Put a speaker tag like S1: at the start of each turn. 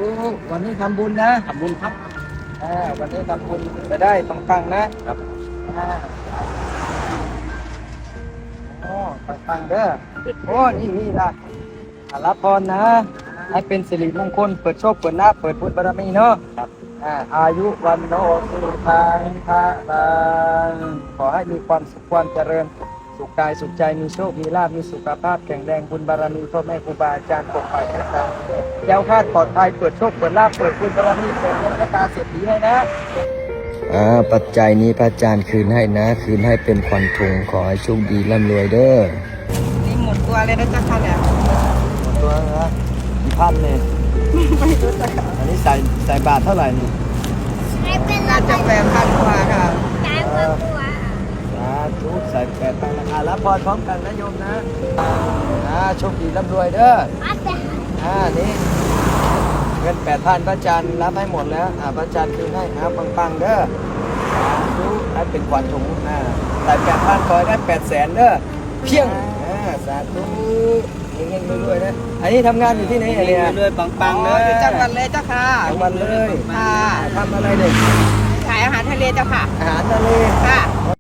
S1: วันนี้ทำบุญนะ
S2: ทำบุญครับ
S1: วันนี้ทำบุญจะได้ปังๆนะครับอ่าโอ้ปังๆเด้อโอ้นี่ล่ะรับพรนะให้เป็นสิริมงคลเปิดโชคเปิดลาภเปิดบุญบารมีเนาะครับอายุวันโนสุขังภะลังขอให้มีความสุขความเจริญสุขกายสุขใจมีโชคมีลาภมีสุขภาพแข็งแรงบุญบารมีพ่อแม่ครูบาอาจารย์ปกปักรักษาแก้วคลาดปลอดภัยเปิดโชคเปิดลาภเปิดบุญบารมีเปิดเงินตาเศรษฐีให้นะปัจจัยนี้พระอาจารย์คืนให้นะคืนให้เป็นขวัญถุงขอให้โชคดีร่ำรวยเด้อ
S3: นี่หมดตัวเลยนะจ๊ะค่ะเนี่ย
S1: หมดตัวนะกี่พันเนี่ย
S3: ไม่รู้จักค่ะ
S1: อันนี้ใส่บาทเท่าไหร่นี่
S3: น่าจะ8,000 กว่าค่ะ
S1: สาธุใส่8,000ราคารับพรพร้อมกันนะโยมนะโชคดีร่ำรวยเด้อนี่เงิน8,000พระอาจารย์รับให้หมดแล้วพระอาจารย์คืนให้ปังๆเด้อสาธุให้เป็นขวัญถุงใส่8,000ขอให้ได้800,000เด้อเพียงสาธุเงี้ยรวยๆนะอันนี้ทำงานอยู่ที่ไหนเนี่ย
S2: รวยปังๆเลย
S3: อยู่จังหวัดเลยเจ้าค่ะ
S1: จังหวัดเลย
S3: ค่ะ
S1: ทำอะไรเด็ก
S3: ขายอาหารทะเลเจ้าค่ะ
S1: อาหารทะเล
S3: ค่ะ